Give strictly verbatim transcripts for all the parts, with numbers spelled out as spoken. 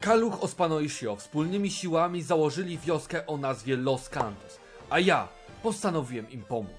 Kaluch, Ospano i Shio wspólnymi siłami założyli wioskę o nazwie Los Santos, a ja postanowiłem im pomóc.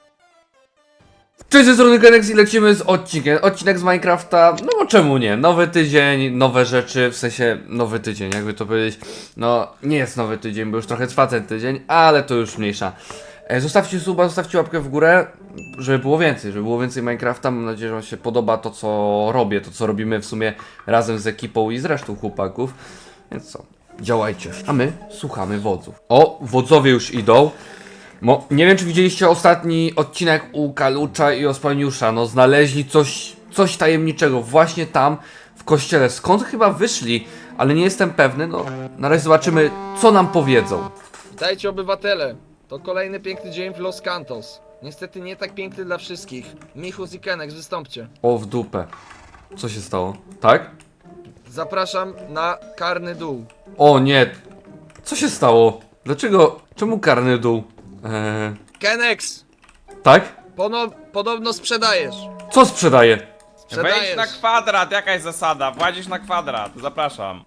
Cześć, ze strony Kenex i lecimy z odcinkiem. Odcinek z Minecrafta, no bo czemu nie? Nowy tydzień, nowe rzeczy, w sensie nowy tydzień, jakby to powiedzieć. No, nie jest nowy tydzień, bo już trochę trwa ten tydzień, ale to już mniejsza. E, zostawcie suba, zostawcie łapkę w górę, żeby było więcej, żeby było więcej Minecrafta. Mam nadzieję, że wam się podoba to, co robię, to, co robimy w sumie razem z ekipą i z resztą chłopaków. Więc co, działajcie, a my słuchamy wodzów. O, wodzowie już idą. Mo, nie wiem, czy widzieliście ostatni odcinek u Kalucza i Ospaniusza. No, znaleźli coś, coś tajemniczego właśnie tam, w kościele. Skąd chyba wyszli, ale nie jestem pewny. No, na razie zobaczymy, co nam powiedzą. Witajcie, obywatele! To kolejny piękny dzień w Los Santos. Niestety nie tak piękny dla wszystkich. Michus i Kenex, wystąpcie. O, w dupę. Co się stało? Tak? Zapraszam na karny dół. O nie. Co się stało? Dlaczego? Czemu karny dół? Eee, Kenex! tak? Pono podobno sprzedajesz. Co sprzedaje? Wejdź Sprzedajesz. na kwadrat, jaka jest zasada? Władzisz na kwadrat, zapraszam.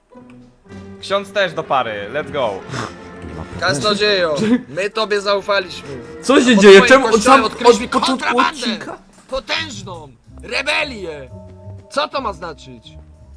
Ksiądz też do pary, let's go. Kaznodziejo, my tobie zaufaliśmy. Co się Pod dzieje? twoim Czemu od, kościołem sam, od odkryliśmy początku kontrabandę. odcinka? Potężną! Rebelię! Co to ma znaczyć?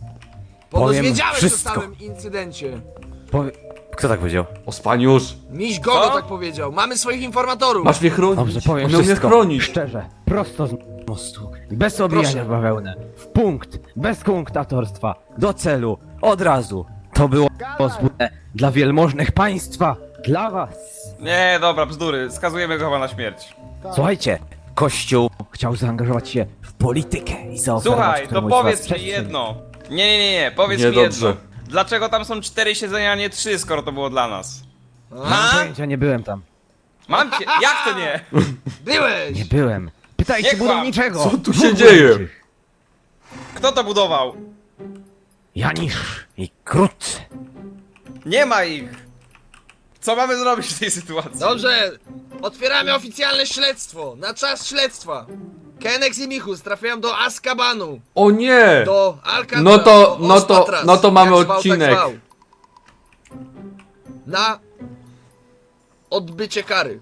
Powiem Podozwiedziałeś o wszystko. całym incydencie. Powie... Kto tak powiedział? Ospaniusz, Miś Gogo Co? tak powiedział. Mamy swoich informatorów. masz mnie chronić. Dobrze, powiem On miał mnie wszystko. chronić. Szczerze, prosto z mostu. Bez obijania Proszę. w bawełnę. W punkt, bez kunktatorstwa. Do celu, od razu. To było pozwólone dla wielmożnych państwa. Dla was. Nie, dobra, bzdury, skazujemy go chyba na śmierć. Słuchajcie, Kościół chciał zaangażować się w politykę i zaoferować Słuchaj, to któremuś z was powiedz mi przestrzeń. jedno. Nie, nie, nie, nie, powiedz mi Niedobrze. jedno. Dlaczego tam są cztery siedzenia, a nie trzy, skoro to było dla nas? Mam A? pojęcia, nie byłem tam. Mam cię, jak to nie? Byłeś! Nie byłem. Pytajcie Nie kłam. budowniczego. Co tu Dwóch się dzieje? budowniczych. Kto to budował? Janisz i Krut. Nie ma ich. Co mamy zrobić w tej sytuacji? Dobrze, otwieramy oficjalne śledztwo. Na czas śledztwa. Kenex i Michus trafiają do Azkabanu. O nie! Do Alcatraz. No to- do no to- Ospatras, no to mamy jak zwał, odcinek. Tak zwał. Na odbycie kary.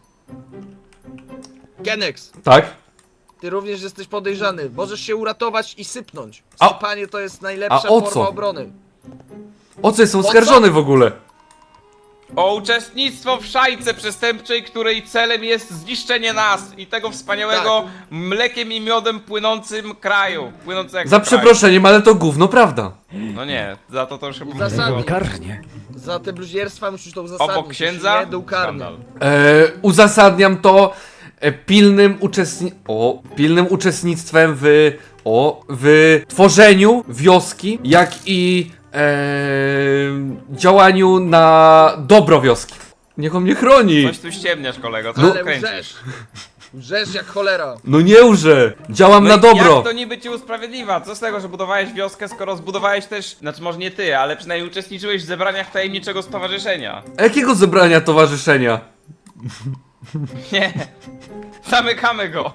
Kenex, Tak? ty również jesteś podejrzany. Możesz się uratować i sypnąć. A- Sypanie to jest najlepsza a o forma co? obrony. O co jestem O co? oskarżony w ogóle? O uczestnictwo w szajce przestępczej, której celem jest zniszczenie nas i tego wspaniałego mlekiem i miodem płynącym kraju. Płynącego Za kraju. przeproszeniem, ale to gówno prawda. No nie, za to to już chyba Zasadnie. Karnie. Za te bluźnierstwa musisz to uzasadnić. obok księdza. Nie dół karny. Skandal. E, uzasadniam to e, pilnym uczestni... O, pilnym uczestnictwem w... O, w tworzeniu wioski, jak i e, działaniu na dobro wioski. Niech on mnie chroni. Coś tu ściemniasz, kolego, co Ale tu kręcisz? łżesz. Łżesz jak cholera. No nie łże. Działam No na i dobro. Jak to niby ci usprawiedliwa? Co z tego, że budowałeś wioskę, skoro zbudowałeś też, znaczy może nie ty, ale przynajmniej uczestniczyłeś w zebraniach tajemniczego stowarzyszenia. A jakiego zebrania towarzyszenia? Nie. Zamykamy go.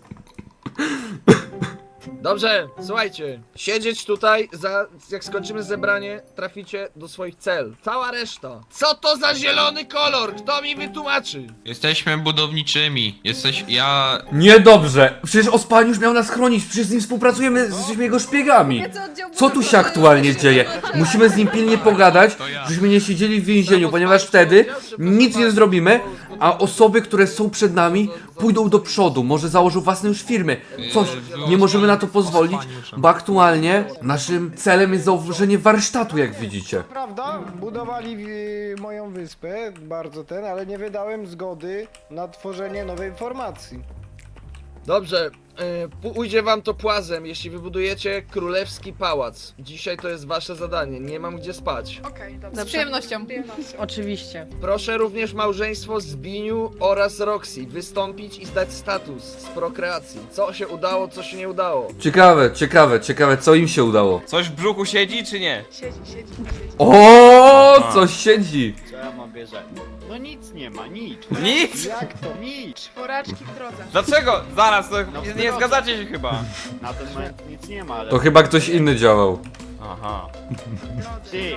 Dobrze, słuchajcie. Siedzieć tutaj, za, jak skończymy zebranie, traficie do swoich cel. Cała reszta. Co to za zielony kolor? Kto mi wytłumaczy? Jesteśmy budowniczymi. Jesteś. Ja. Niedobrze. Przecież Ospaniusz miał nas chronić. Przecież z nim współpracujemy, jesteśmy jego szpiegami. Co tu się aktualnie dzieje? Musimy z nim pilnie pogadać, żebyśmy nie siedzieli w więzieniu, ponieważ wtedy nic nie zrobimy, a osoby, które są przed nami, pójdą do przodu. Może założą własne już firmy. Coś. Nie możemy na to pozwolić, bo aktualnie naszym celem jest założenie warsztatu, jak widzicie. Prawda, budowali y, moją wyspę, bardzo ten, ale nie wydałem zgody na tworzenie nowej formacji. Dobrze, yy, ujdzie wam to płazem, jeśli wybudujecie królewski pałac. Dzisiaj to jest wasze zadanie, nie mam gdzie spać. Okej, Z dobrze. przyjemnością. Oczywiście. Proszę również małżeństwo Zbiniu oraz Roxy wystąpić i zdać status z prokreacji. Co się udało, co się nie udało. Ciekawe, ciekawe, ciekawe, co im się udało. Coś w brzuchu siedzi, czy nie? Siedzi, siedzi, siedzi. O, coś siedzi. Co ja mam bierzeć? No nic nie ma, nic. Nic? Jak to? Nic. Czworaczki w drodze. Dlaczego? Zaraz, to No nie, w nie drodze. zgadzacie się chyba. Na ten moment nic nie ma, ale... To chyba ktoś inny działał. Aha. Ty,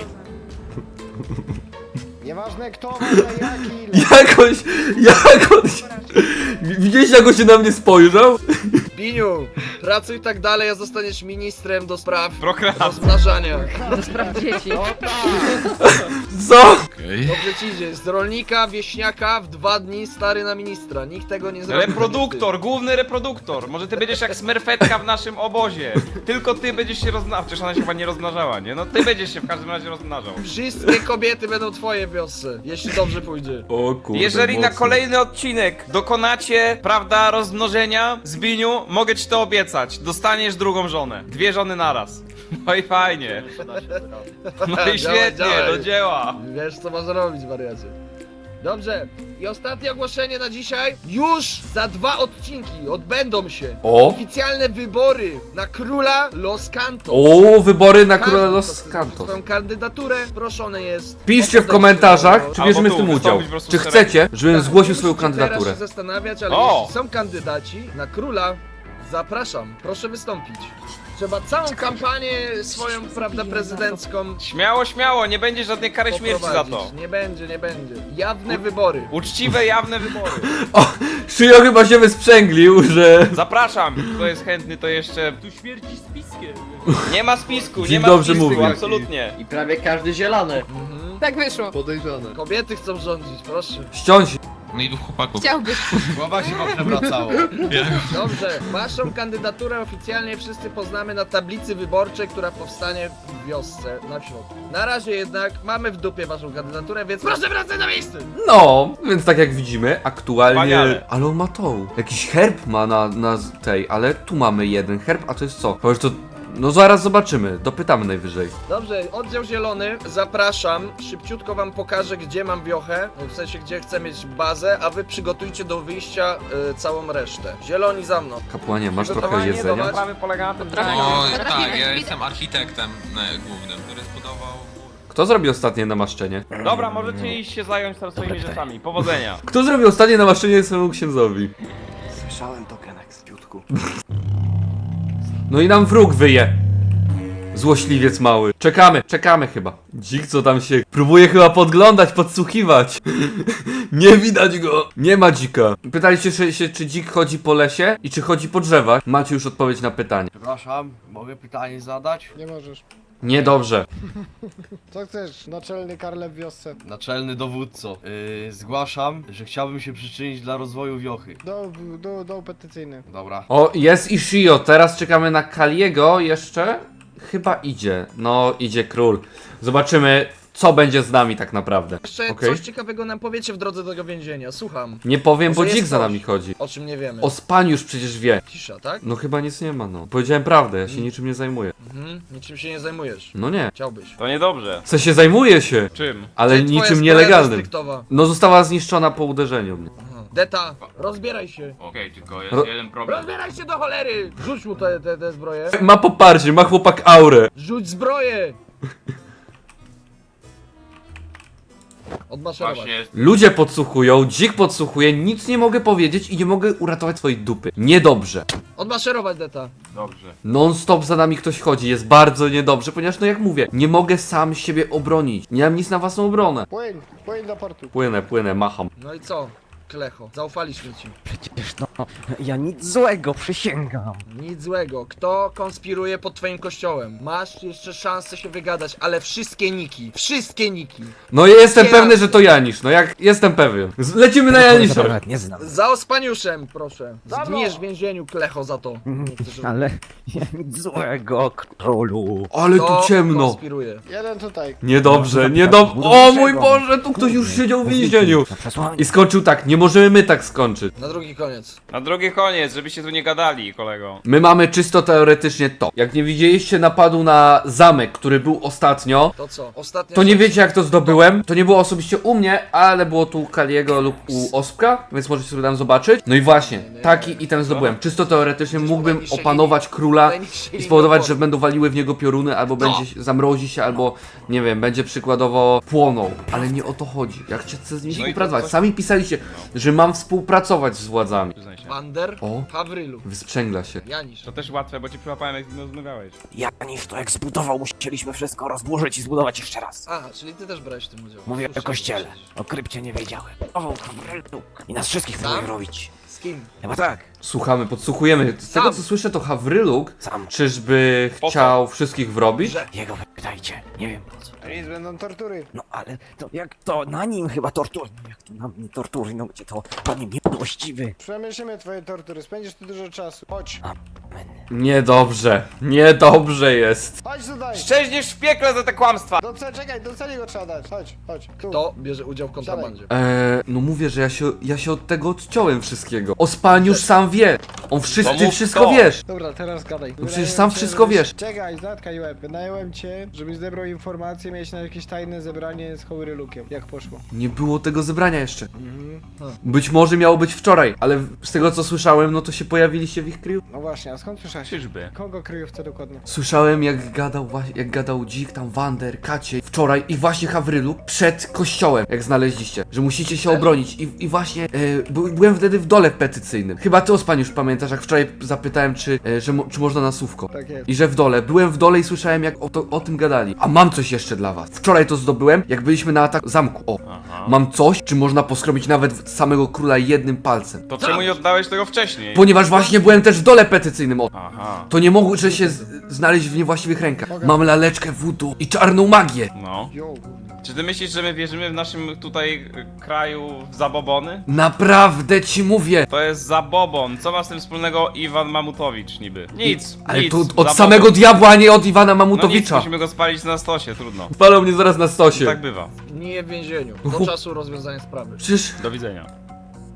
Nieważne kto, ważne jaki, ile. Jakoś, jakoś... Widzieliście, jak on się na mnie spojrzał? Biniu, pracuj tak dalej, a zostaniesz ministrem do spraw Prokreacja. rozmnażania. Do spraw dzieci. Co? Okej. Dobrze ci idzie, z rolnika, wieśniaka w dwa dni stary na ministra. Nikt tego nie zrobi. Reproduktor, główny reproduktor. Może ty będziesz jak smerfetka w naszym obozie. Tylko ty będziesz się rozmnażał. Przecież ona się chyba nie rozmnażała, nie? No ty będziesz się w każdym razie rozmnażał. Wszystkie kobiety będą twoje w wiosce, jeśli dobrze pójdzie. O kurde, Jeżeli na mocno. kolejny odcinek dokonacie, prawda, rozmnożenia, Zbiniu, mogę ci to obiecać. Dostaniesz drugą żonę. Dwie żony naraz. No i fajnie. da się zrobić. No i Działaj, świetnie, działaj. do dzieła. Wiesz co masz robić, wariacie. Dobrze, i ostatnie ogłoszenie na dzisiaj. Już za dwa odcinki odbędą się O! oficjalne wybory na króla Los Cantos. O, wybory na Każdy, Króla kto Los chce Cantos. swoją kandydaturę, proszony jest. Piszcie w podejście komentarzach, do- czy Albo bierzemy w tu tym udział. wystąpić po prostu Czy z chcecie, żebym Tak, zgłosił nie swoją musicie teraz kandydaturę. się zastanawiać, ale O! jeśli są kandydaci na króla, zapraszam, proszę wystąpić. Trzeba całą kampanię swoją, prawda, prezydencką Śmiało, śmiało, nie będzie żadnej kary śmierci za to. poprowadzić. Nie będzie, nie będzie. Jawne wybory. Uczciwe, jawne wybory. O, Szyjo chyba się wysprzęglił, że... Zapraszam, kto jest chętny, to jeszcze... Tu śmierci spiskiem. Nie ma spisku, nie Dzień ma dobrze spisku, mówi. absolutnie. I prawie każdy zielony. Mhm. Tak wyszło. Kobiety chcą rządzić, proszę. Ściąć. No i dwóch chłopaków. Chciałbyś. Głowa się wam przewracało. Dobrze, waszą kandydaturę oficjalnie wszyscy poznamy na tablicy wyborczej, która powstanie w wiosce na środku. Na razie jednak mamy w dupie waszą kandydaturę, więc proszę wracać na miejsce! No, więc tak jak widzimy, aktualnie... Wspaniale. Ale on ma tą. Jakiś herb ma na, na z- tej, ale tu mamy jeden herb, a to jest co? Powiesz to... No zaraz zobaczymy, dopytamy najwyżej. Dobrze, oddział zielony, zapraszam. Szybciutko wam pokażę, gdzie mam wiochę, w sensie gdzie chcę mieć bazę, a wy przygotujcie do wyjścia y, całą resztę. Zieloni za mną. Kapłanie, masz trochę Przygotowanie do jedzenia? walki. Sprawy polega na tym, że... O, Potrafimy. tak, ja jestem architektem e, głównym, który zbudował mur. Kto zrobił ostatnie namaszczenie? Dobra, możecie iść się zająć tam swoimi rzeczami. Powodzenia. Kto zrobił ostatnie namaszczenie swojemu księdzowi? Słyszałem to, Kenek, z piutku. No i nam wróg wyje. Złośliwiec mały. Czekamy, czekamy chyba. Dzik co tam się próbuje chyba podglądać, podsłuchiwać. Nie widać go. Nie ma dzika. Pytaliście się, się, czy dzik chodzi po lesie i czy chodzi po drzewach? Macie już odpowiedź na pytanie. Przepraszam, mogę pytanie zadać? Nie możesz. Niedobrze. Co chcesz, naczelny Karle w wiosce? Naczelny dowódco, yy, zgłaszam, że chciałbym się przyczynić dla rozwoju wiochy. Do, do, do petycyjny. Dobra. O, jest Ishio. Teraz czekamy na Kaliego jeszcze. Chyba idzie. No, idzie król. Zobaczymy, co będzie z nami tak naprawdę. Jeszcze Okej. coś ciekawego nam powiecie w drodze do tego więzienia, słucham. Nie powiem, bo Może jest dzik za coś. nami chodzi. O czym nie wiemy. O spaniu już przecież wie. Cisza, tak? No chyba nic nie ma, no. Powiedziałem prawdę, ja się niczym nie zajmuję. Mhm, niczym się nie zajmujesz. No nie. Chciałbyś. To niedobrze. Co się zajmuje się, Czym? ale Gdzie twoja niczym zbroja nielegalnym. restryktowa? No została zniszczona po uderzeniu mnie. Aha. Deta, rozbieraj się. Okej, tylko jest Ro- jeden problem. Rozbieraj się do cholery! Rzuć mu te, te, te zbroje. Ma poparcie, ma chłopak aurę. Rzuć zbroję! Odmaszerować. Właśnie, Ludzie podsłuchują, dzik podsłuchuje, nic nie mogę powiedzieć i nie mogę uratować swojej dupy. Niedobrze. Odmaszerować, Deta. dobrze. Non stop za nami ktoś chodzi, jest bardzo niedobrze, ponieważ no jak mówię, nie mogę sam siebie obronić. Nie mam nic na własną obronę. Płyń, płyń do portu. Płynę, płynę, macham. No i co? Klecho, zaufaliśmy ci. Przecież no, ja nic złego, przysięgam. Nic złego. Kto konspiruje pod twoim kościołem? Masz jeszcze szansę się wygadać, ale wszystkie niki. Wszystkie niki. No ja jestem Nie pewny, razy. że to Janisz, no jak jestem pewien. Z- Lecimy na Kogoś Janisza. nawet nie znam. Za ospaniuszem, proszę. Zgniesz w więzieniu, Klecho, za to. Ale ja nic złego, królu. Ale Kto tu ciemno. konspiruje? Jeden tutaj. Niedobrze, niedobrze. O mój Boże, tu ktoś już siedział w więzieniu. Na przesłanie. I skończył tak, nie możemy my tak skończyć. Na drugi koniec. Na drugi koniec, żebyście tu nie gadali, kolego. My mamy czysto teoretycznie to. Jak nie widzieliście napadu na zamek, który był ostatnio, To co? Ostatnia to nie rzecz. wiecie jak to zdobyłem. To nie było osobiście u mnie, ale było tu u Kaliego lub u Ospka, więc możecie sobie tam zobaczyć. No i właśnie, taki item zdobyłem. Czysto teoretycznie mógłbym opanować króla i spowodować, że będą waliły w niego pioruny, albo będzie się- zamrozi się, albo nie wiem, będzie przykładowo płonął. Ale nie o to chodzi. Jak chcecie z nimi No i to współpracować. coś- Sami pisaliście, że mam współpracować z władzami. Przyznaj się. Wander, O. Hawrylu, Wysprzęgla się. Janisz. To też łatwe, bo cię przyłapałem, jak z nim rozmawiałeś. Janisz to eksplodował, musieliśmy wszystko rozburzyć i zbudować jeszcze raz. A, czyli ty też brałeś w tym udział. Mówię Słyszałem, o kościele. przecież. O krypcie nie wiedziałem. O, i nas wszystkich Sam? próbuje robić. Z kim? Chyba tak. Słuchamy, podsłuchujemy. Z tego Sam. co słyszę, to Hawryluk Sam. czyżby Po co? chciał wszystkich wrobić? Że- Jego pytajcie. Nie wiem po co. Nic, będą tortury. No ale to jak to na nim chyba tortury. No jak to na mnie tortury, no gdzie to panie miłościwy. Przemyślimy twoje tortury, spędzisz tu dużo czasu. Chodź. Amen. Niedobrze, niedobrze jest. Chodź tutaj. Szczęśniesz w piekle za te kłamstwa! Do ce- czekaj, do celi go trzeba dać. Chodź, chodź. Tu. Kto bierze udział w kontrabandzie? Eee, no mówię, że ja się, ja się od tego odciąłem wszystkiego. Ospan już sam wie. On wszystko, No ty mów wszystko kto. wiesz. Dobra, teraz gadaj. No przecież Wynająłem sam cię, wszystko żebyś- wiesz. Czekaj, zatkaj łeb. Wynająłem cię, żebyś zebrał informacje, miałeś na jakieś tajne zebranie z Hawrylukiem. Jak poszło? Nie było tego zebrania jeszcze. Mhm. Być może miało być wczoraj, ale z tego co słyszałem, no to się pojawiliście w ich kryju. No właśnie, a skąd słyszałeś? Czyżby? Kogo kryjówce dokładnie? Słyszałem jak gadał właśnie, jak gadał Dzik, tam Wander, Kacie wczoraj i właśnie Hawryluk przed kościołem, jak znaleźliście, że musicie się obronić i, i właśnie e, by, byłem wtedy w dole petycyjnym. Chyba ty Ospan już pamiętasz, jak wczoraj zapytałem czy, e, że mo, czy można na słówko. Tak jest. I że w dole, byłem w dole i słyszałem jak o, to, o tym gadali. A mam coś jeszcze dla was. Wczoraj to zdobyłem, jak byliśmy na ataku zamku. O, Aha. mam coś, czy można poskrobić nawet samego króla jednym palcem. To czemu nie oddałeś tego wcześniej? Ponieważ właśnie byłem też w dole petycyjnym. O, Aha. to nie mogło że się z, znaleźć w niewłaściwych rękach. Mogę. Mam laleczkę voodoo i czarną magię. No. Jo. Czy ty myślisz, że my wierzymy w naszym tutaj y, kraju w zabobony? Naprawdę ci mówię. To jest zabobon. Co ma z tym wspólnego Iwan Mamutowicz niby? Nic. Ale nic. to od Zabobon. samego diabła, a nie od Iwana No nic, Mamutowicza. musimy go spalić na stosie, trudno. Palą mnie zaraz na stosie. Tak bywa. Nie w więzieniu. Do czasu rozwiązania sprawy. Przecież... Do widzenia.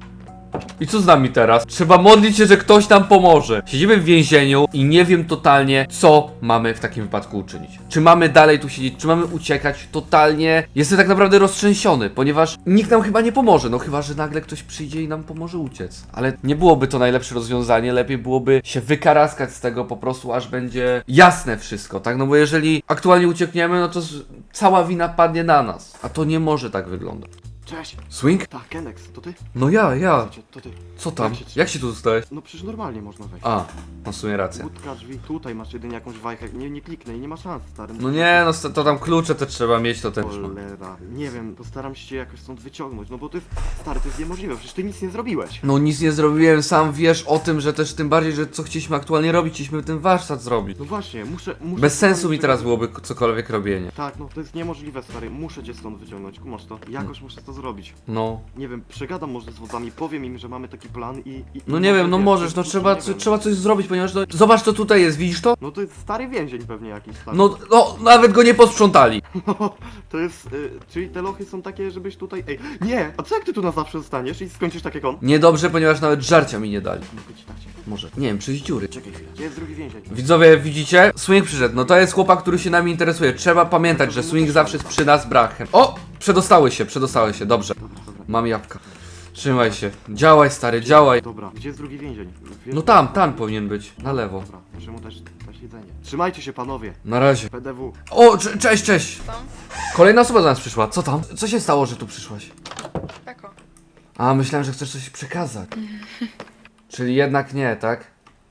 I co z nami teraz? Trzeba modlić się, że ktoś nam pomoże. Siedzimy w więzieniu i nie wiem totalnie, co mamy w takim wypadku uczynić. Czy mamy dalej tu siedzieć, czy mamy uciekać? Totalnie jestem tak naprawdę roztrzęsiony, ponieważ nikt nam chyba nie pomoże. No chyba, że nagle ktoś przyjdzie i nam pomoże uciec. Ale nie byłoby to najlepsze rozwiązanie. Lepiej byłoby się wykaraskać z tego po prostu, aż będzie jasne wszystko, tak? No bo jeżeli aktualnie uciekniemy, no to z... cała wina padnie na nas. A to nie może tak wyglądać. Cześć! Swing? Tak, Kenex, to ty? No ja, ja. Wiecie, to ty. Co tam? Jak się- Jak się tu dostałeś? No przecież normalnie można wejść. A, masz w sumie rację. Łódka, drzwi, tutaj masz jedynie jakąś wajchę. Nie, nie kliknę i nie ma szans, stary. No nie, no st- to tam klucze te trzeba mieć, to też mam. Cholera. Nie wiem, postaram się cię jakoś stąd wyciągnąć, no bo to jest, stary, to jest niemożliwe, przecież ty nic nie zrobiłeś. No nic nie zrobiłem, sam wiesz o tym, że też tym bardziej, że co chcieliśmy aktualnie robić, chcieliśmy ten warsztat zrobić. No właśnie, muszę, muszę... Bez sensu mi stąd teraz wyciągnąć. byłoby cokolwiek robienie. Tak, no to jest niemożliwe, stary, muszę cię stąd wyciągnąć, kumasz to? Jakoś muszę to zrobić. No. Nie wiem, przegadam może z wodzami, powiem im, że mamy taki plan i... i No i nie może, wiem, no wiesz, możesz, no nie trzeba, wiem. co- trzeba coś zrobić, ponieważ no, zobacz co tutaj jest, widzisz to? No to jest stary więzień pewnie jakiś, stary. No, no, nawet go nie posprzątali. No, to jest, y, czyli te lochy są takie, żebyś tutaj, ej, nie, a co jak ty tu na zawsze zostaniesz i skończysz tak jak on? Niedobrze, ponieważ nawet żarcia mi nie dali. Mogę ci dać. Może, nie wiem, przez dziury. Czekaj chwilę, gdzie jest drugi więzień? Widzowie, widzicie? Swing przyszedł, no to jest chłopak, który się nami interesuje. Trzeba pamiętać, że Swing zawsze jest przy nas brachem. O! Przedostały się, przedostały się, dobrze. Dobra, dobra. Mam jabłka. Trzymaj się. Działaj, stary, działaj. Dobra, gdzie jest drugi więzień? Wiesz- No tam, tam powinien być, na lewo. Dobra, muszę mu dać, dać jedzenie. Trzymajcie się panowie, Na razie. P D W. O, cze- cześć, cześć. Tam? Kolejna osoba do nas przyszła. Co tam? Co się stało, że tu przyszłaś? Tako. A, myślałem, że chcesz coś przekazać. Czyli jednak nie, tak?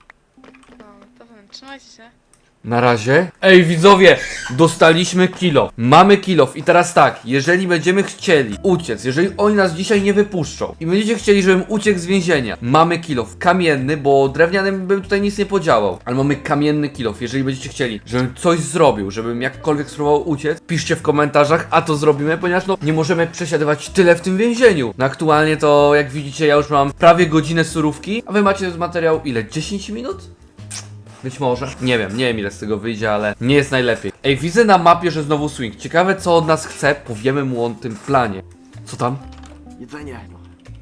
No, to wiem, trzymajcie się. Na razie. Ej, widzowie, dostaliśmy kilo. Mamy kilof i teraz tak, jeżeli będziemy chcieli uciec, jeżeli oni nas dzisiaj nie wypuszczą i będziecie chcieli, żebym uciekł z więzienia, mamy kilof kamienny, bo drewnianym bym tutaj nic nie podziałał, ale mamy kamienny kilof. Jeżeli będziecie chcieli, żebym coś zrobił, żebym jakkolwiek spróbował uciec, piszcie w komentarzach, a to zrobimy, ponieważ no nie możemy przesiadywać tyle w tym więzieniu. No aktualnie to, jak widzicie, ja już mam prawie godzinę surówki, a wy macie materiał ile? dziesięć minut? Być może. Nie wiem, nie wiem ile z tego wyjdzie, ale nie jest najlepiej. Ej, widzę na mapie, że znowu Swing. Ciekawe co od nas chce, powiemy mu o tym planie. Co tam? Jedzenie. No.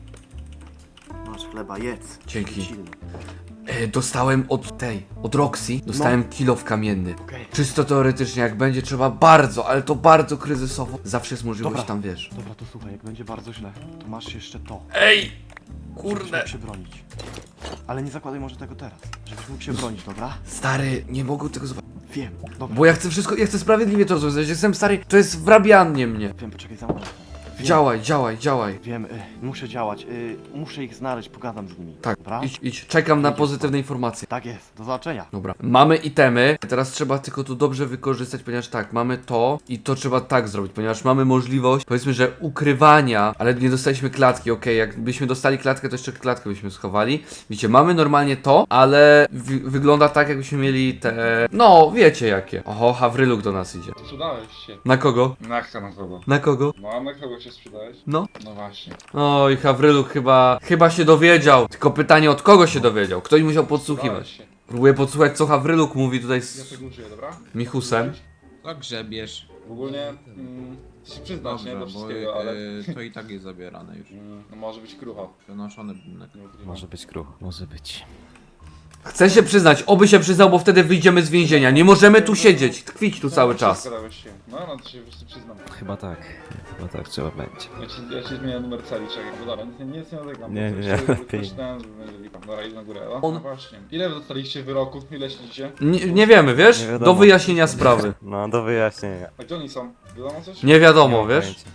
Masz chleba, jedz. Dzięki. Silny. E, dostałem od tej, od Roxy, dostałem kilof kamienny. Okej. Czysto teoretycznie, jak będzie trzeba bardzo, ale to bardzo kryzysowo, zawsze jest możliwość Dobra. tam, wiesz. Dobra, to słuchaj, jak będzie bardzo źle, to masz jeszcze to. Ej! Żebyś Kurde. mógł się bronić. Ale nie zakładaj może tego teraz, żebyś mógł się bronić, dobra? Stary, nie mogę tego zobaczyć. Wiem, dobra. Bo ja chcę wszystko, ja chcę sprawiedliwie to rozwiązać. Jestem stary, to jest wrabianie mnie. Wiem, poczekaj, zamknę. Działaj, działaj, działaj. Wiem, y, muszę działać, y, muszę ich znaleźć, pogadam z nimi. Tak, Dobra? idź, idź. Czekam na Idziesz, pozytywne informacje. Tak jest, do zobaczenia. Dobra, mamy itemy, teraz trzeba tylko to dobrze wykorzystać, ponieważ tak, mamy to i to trzeba tak zrobić, ponieważ mamy możliwość, powiedzmy, że ukrywania, ale nie dostaliśmy klatki, okej, jakbyśmy dostali klatkę, to jeszcze klatkę byśmy schowali. Widzicie, mamy normalnie to, ale wy wygląda tak, jakbyśmy mieli te, no, wiecie jakie. Oho, Hawryluk do nas idzie. Sprzedałeś się. Na kogo? Na kto na kogo? Na kogo? No a na kogo się sprzedałeś? No. No właśnie. Oj, Hawryluk chyba, chyba się dowiedział, tylko pytanie od kogo się dowiedział, ktoś musiał podsłuchiwać. Sprzedałeś się. Próbuję podsłuchać, co Hawryluk mówi tutaj Ja z tego użyję, dobra? Michusem. To grzebiesz. Ogólnie mm, się przyznasz, nie? Do Dobrze, bo wszystkiego, ale... y, to i tak jest zabierane już. Mm, no może być krucha. Przenoszony budynek. Nie ukrywam. Może być kruch, może być. Chcę się przyznać, oby się przyznał, bo wtedy wyjdziemy z więzienia. Nie możemy tu siedzieć, tkwić tu cały czas. Składałeś się. No, no to się po prostu przyznam. Chyba tak, chyba tak trzeba będzie. Ja ci, ja ci zmienię numer celi, czekaj, bo dobra, nic nie, nic nie nalegam. Nie, bo nie, coś sobie lepiej. Myślałem, że będzie lipa. Dobra, idę na górę. O, On- no właśnie. Ile wy dostaliście wyroków? Ile siedzicie? Nie, nie wiemy, wiesz? Nie wiadomo. Do wyjaśnienia sprawy. No, do wyjaśnienia. A gdzie oni są? Wiadomo coś? Nie wiadomo, mam wiesz? pojęcia.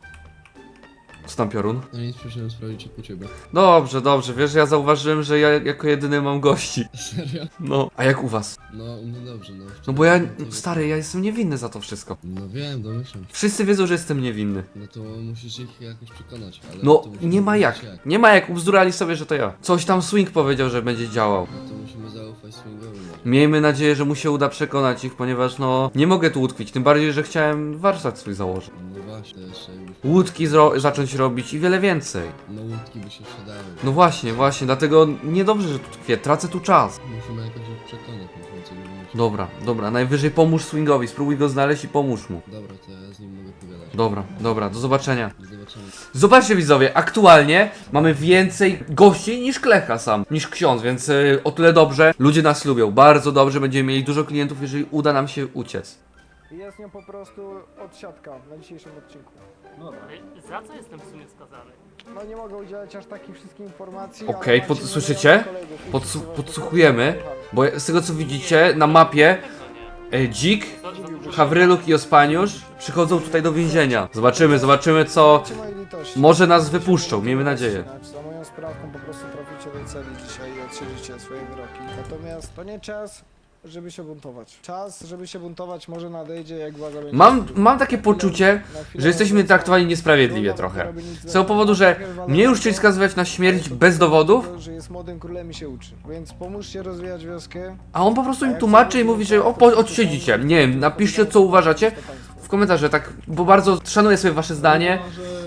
Co tam piorun? No nic, przyszedłem sprawdzić u ciebie. Dobrze, dobrze, wiesz, ja zauważyłem, że ja jako jedyny mam gości. Serio? No. A jak u was? No, no dobrze, no. No bo ja, stary, ja jestem niewinny za to wszystko. No wiem, domyślam. Wszyscy wiedzą, że jestem niewinny. No to musisz ich jakoś przekonać, ale... No, to musimy nie ma jak. wiedzieć Nie ma jak, ubzdurali sobie, że to ja. Coś tam Swing powiedział, że będzie działał. No to musimy zaufać swingowi. Miejmy nadzieję, że mu się uda przekonać ich, ponieważ no, nie mogę tu utkwić. Tym bardziej, że chciałem warsztat swój założyć. No właśnie, jeszcze jakbyś... Łódki zro- zacząć robić i wiele więcej. No łódki by się sprzedały. No właśnie, właśnie, dlatego niedobrze, że tu tkwię, tracę tu czas. Musimy jakoś ich przekonać, musimy coś wymyślić. Dobra, dobra, najwyżej pomóż Swingowi, spróbuj go znaleźć i pomóż mu. Dobra, to ja z nim mogę pogadać. Dobra, dobra, do zobaczenia. Do zobaczenia. Zobaczcie widzowie, aktualnie mamy więcej gości niż Klecha sam, niż ksiądz, więc y, o tyle dobrze. Ludzie nas lubią, bardzo dobrze, będziemy mieli dużo klientów, jeżeli uda nam się uciec. Jest nią po prostu odsiadka na dzisiejszym odcinku. Dobra. Za co jestem w sumie skazany? No nie mogę udzielać aż takich wszystkich informacji. Okej, ale pod- macie słyszycie? milionów kolegów i Podsłu- wszyscy was podsłuchujemy. po prostu Bo z tego co widzicie na mapie, y, Dzik, Hawryluk i Ospaniusz przychodzą tutaj do więzienia. Zobaczymy, zobaczymy co... Macie mojej litości. Może nas wypuszczą, miejmy nadzieję. Za moją sprawką po prostu traficie do celi dzisiaj i odsiedzicie swoje wyroki. Natomiast to nie czas, żeby się buntować. Czas, żeby się buntować może nadejdzie, jak władza będzie... Mam, mam takie poczucie, Na chwilę że jesteśmy obecną traktowani niesprawiedliwie trudno trochę. robić nic Z tego powodu, że mnie już chcieli skazywać na śmierć bez dowodów, Że jest młodym królem i się uczy. Więc pomóżcie rozwijać wioskę. a on po prostu im tłumaczy i mówi, że o, po, odsiedzicie. Nie wiem, napiszcie co uważacie w komentarze, tak, bo bardzo szanuję sobie wasze zdanie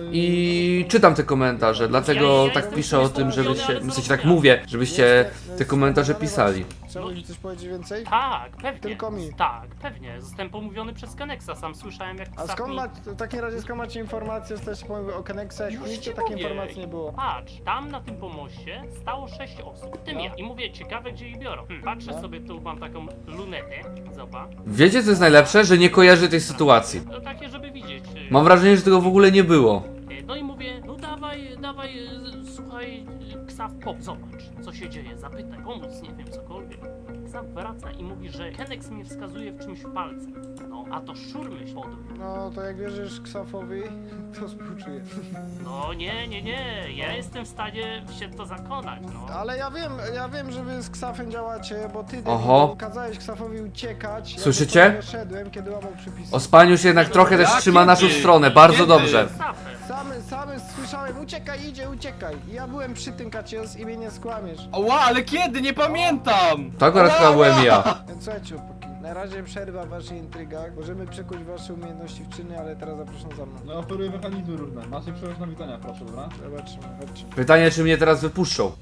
i czytam te komentarze, dlatego tak piszę o tym, żebyście, w sensie tak mówię, żebyście te komentarze pisali. Chciałbyś mi coś powiedzieć więcej? Tak, pewnie. Tylko mi. Tak, pewnie. Zostałem pomówiony przez Keneksa. Sam słyszałem jak A Ksaf skąd mi- macie, w takim razie skąd macie informacje, jesteście pomówił o Kenexach? Już Nigdzie ci takiej mówię. informacji nie było. Patrz, tam na tym pomoście stało sześć osób, w tym No. ja. I mówię, ciekawe gdzie ich biorą. Hm, patrzę No. sobie, tu mam taką lunetę, zobacz. Wiecie co jest najlepsze? Że nie kojarzy tej sytuacji. No takie, żeby widzieć. y, Mam wrażenie, że tego w ogóle nie było. y, No i mówię, no dawaj, dawaj, y, słuchaj, y, Ksaf, pop, zobacz, co się dzieje, zapytaj, pomóc, nie wiem, cokolwiek. Ksaf wraca i mówi, że Keneks mnie wskazuje w czymś palcem. No, a to szur myśl podł. No to jak wierzysz Ksafowi, to współczuję. No nie, nie, nie, ja jestem w stanie się w to zakonać, no. Ale ja wiem, ja wiem, że wy z Ksafem działacie, bo ty Oho. debilu, kazałeś Ksafowi uciekać. Słyszycie? Ja do tego szedłem, kiedy łamał przepisy. Ospaniusz jednak trochę też Ja trzyma naszą kiedy? stronę, bardzo Kiedy? dobrze. Ksafem. Samy, samy słyszałem, uciekaj, idzie, uciekaj. I ja byłem przy tym, Kacios, i mnie nie skłamiesz. Ała, ale kiedy? Nie pamiętam! To akurat chyba byłem ja. Więc słuchajcie, chłopaki, na razie przerwa w waszych intrygach. Możemy przekuć wasze umiejętności w czyny, ale teraz zapraszam za mną. No oferuję mechanizmy różne. Macie przełoż na widzenia, proszę, dobra? Zobaczymy, chodźcie. Pytanie, czy mnie teraz wypuszczą.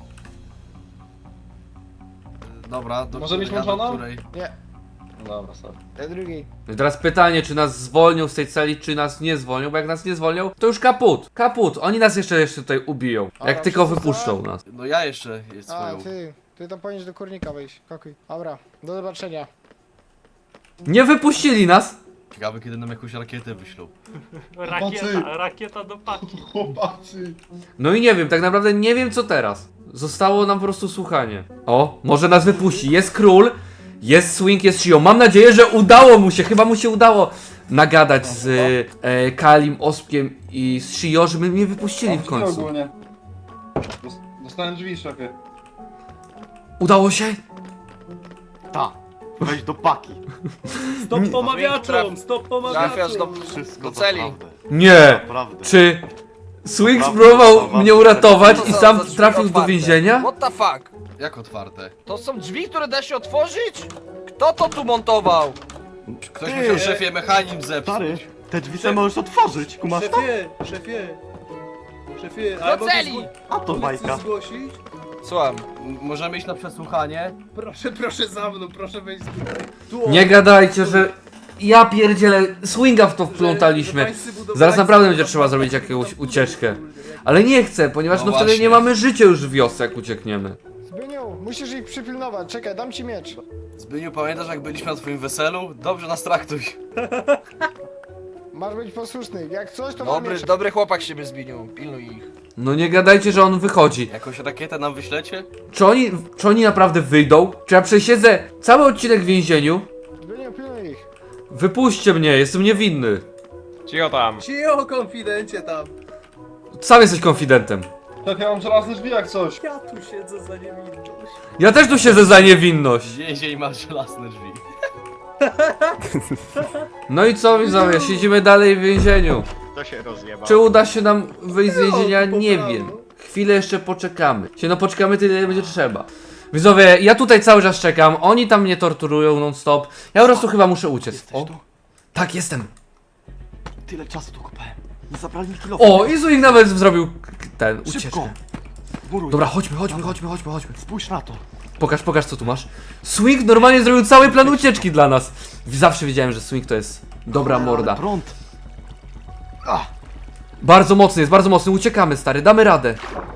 Dobra, do Może mieć której, a do włączoną? której? Nie, No dobra, sorry. te drugiej. No i teraz pytanie, czy nas zwolnią z tej celi, czy nas nie zwolnią, bo jak nas nie zwolnią, to już kaput, kaput, oni nas jeszcze, jeszcze tutaj ubiją, jak Dobra, tylko wszyscy wypuszczą nas. No ja jeszcze jest A, swoją. ty, ty to powinieneś do kurnika wejść. Kokuj. Dobra, do zobaczenia. Nie wypuścili nas! Ciekawe kiedy nam jakąś rakietę wyślą. Rakieta, rakieta do paki. Chłopacy! No i nie wiem, tak naprawdę nie wiem co teraz. Zostało nam po prostu słuchanie. O, może nas wypuści, jest król, jest Swing, jest Shio. Mam nadzieję, że udało mu się, chyba mu się udało nagadać z e, Kalim, Ospkiem i z Shio, żeby mnie wypuścili w końcu. Ogólnie. Dostałem drzwi, szefie. Udało się? Ta. Weź do paki. Stop pomawiaczom! Stop Trafiasz do, Wszystko do celi. naprawdę. Nie! Naprawdę. Czy Swing Naprawdę, spróbował naprawdę. mnie uratować Co i to sam za drzwi trafił do otwarte? więzienia? What the fuck? Jak otwarte? To są drzwi, które da się otworzyć? Kto to tu montował? Ktoś Ty! musiał szefie mechanizm Stary, zepsuć. te drzwi sobie możesz otworzyć, kumasz to? szefie, szefie, Do celi! A to bajka. zgłosić? Słucham. M- Możemy iść na przesłuchanie? Proszę, proszę za mną, proszę wejść tutaj. Nie gadajcie, że ja pierdzielę, Swinga w to wplątaliśmy. Zaraz naprawdę będzie trzeba zrobić jakąś ucieczkę. Ale nie chcę, ponieważ No no wtedy właśnie. nie mamy życia już w wiosce, jak uciekniemy. Zbyniu, musisz ich przypilnować. Czekaj, dam ci miecz. Zbyniu, pamiętasz jak byliśmy na twoim weselu? Dobrze nas traktuj. Masz być posłuszny. Jak coś, to mam Dobry, miecz. dobry chłopak siebie Zbiniu, pilnuj ich. No nie gadajcie, że on wychodzi. Jakąś rakietę nam wyślecie? Czy oni, czy oni naprawdę wyjdą? Czy ja przesiedzę cały odcinek w więzieniu? Zbyniu, pilnuj ich. Wypuśćcie mnie, jestem niewinny. Cicho tam. Cicho, konfidencie tam. Sam jesteś konfidentem. Szefie, mam żelazny drzwi jak coś. Ja tu siedzę za niewinność. Ja też tu siedzę za niewinność. Więzień ma żelazne drzwi. No i co widzowie, siedzimy dalej w więzieniu. To się rozjeba. Czy uda się nam wyjść z więzienia? Nie wiem. Chwilę jeszcze poczekamy. Się no poczekamy tyle, ile będzie trzeba. Widzowie, ja tutaj cały czas czekam, oni tam mnie torturują non stop. Ja po prostu chyba muszę uciec. Jesteś O, tu? tak, jestem. Tyle czasu tu kopałem. Nie zabrali mi kilo. O, i Zuik nawet zrobił k- ten, Szybko. ucieczkę. Muruj. Dobra, chodźmy, chodźmy, chodźmy, chodźmy, chodźmy. Spójrz na to. Pokaż, pokaż co tu masz. Swing normalnie zrobił cały plan ucieczki dla nas. Zawsze wiedziałem, że Swing to jest dobra Ale morda. prąd. Bardzo mocny jest, bardzo mocny. Uciekamy, stary, damy radę.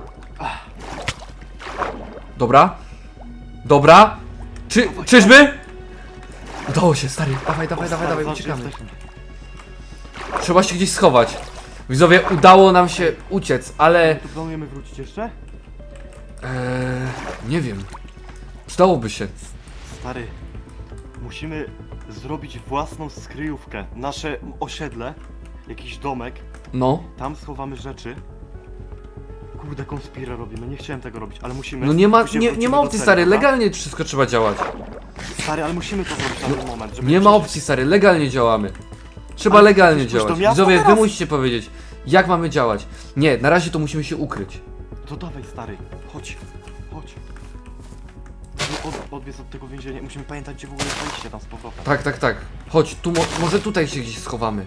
Dobra. Dobra. Czy, czyżby? Udało się, stary. Dawaj, dawaj, dawaj, dawaj, Zobacz, uciekamy. jesteśmy. Trzeba się gdzieś schować. Widzowie, udało nam się uciec, ale... Tu planujemy wrócić jeszcze? Eee, nie wiem. Przydałoby się. Stary, musimy zrobić własną skryjówkę. Nasze osiedle, jakiś domek, No. tam schowamy rzeczy. Kurde, konspirę robimy, nie chciałem tego robić, ale musimy. No nie ma, Później nie, wrócimy nie ma do opcji, celi, stary. dobra? Legalnie wszystko trzeba działać. Stary, ale musimy to zrobić na ten moment, żeby Nie ma przeżyć. opcji, stary. Legalnie działamy. Trzeba Ale legalnie chcesz pójść do działać. miasta Widzowie, wy teraz? musicie powiedzieć, jak mamy działać. Nie, na razie to musimy się ukryć. To dawaj, stary, chodź, chodź. Musimy Od, odbiec od tego więzienia, musimy pamiętać, gdzie w ogóle jest wejście tam z powrotem. Tak, tak, tak. Chodź, tu mo może tutaj się gdzieś schowamy.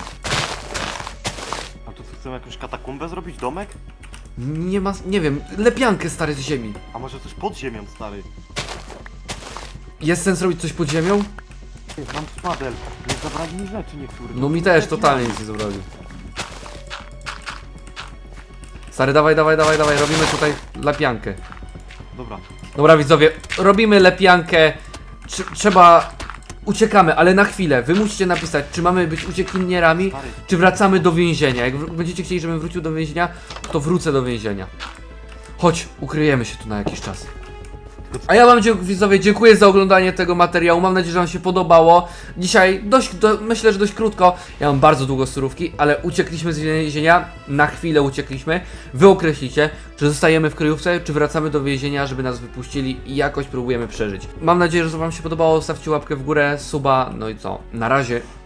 A tu co, chcemy jakąś katakumbę zrobić, domek? Nie ma, nie wiem, lepiankę, stary, z ziemi. A może coś pod ziemią, stary? Jest sens robić coś pod ziemią? Mam szpadel, nie zabrali mi rzeczy niektórych. No mi też, totalnie nic nie zabrali. Stary, dawaj, dawaj, dawaj, dawaj, robimy tutaj lepiankę. Dobra, Dobra, widzowie, robimy lepiankę. Trz trzeba... Uciekamy, ale na chwilę. Wy musicie napisać, czy mamy być uciekinierami, stary, czy wracamy do więzienia. Jak wr- będziecie chcieli, żebym wrócił do więzienia, to wrócę do więzienia. Chodź, ukryjemy się tu na jakiś czas. A ja wam, dzie- widzowie, dziękuję za oglądanie tego materiału. Mam nadzieję, że wam się podobało. Dzisiaj dość, do, myślę, że dość krótko. Ja mam bardzo długo surówki, ale uciekliśmy z więzienia. Na chwilę uciekliśmy. Wy określicie, czy zostajemy w kryjówce, czy wracamy do więzienia, żeby nas wypuścili i jakoś próbujemy przeżyć. Mam nadzieję, że wam się podobało. Stawcie łapkę w górę, suba, no i co? Na razie.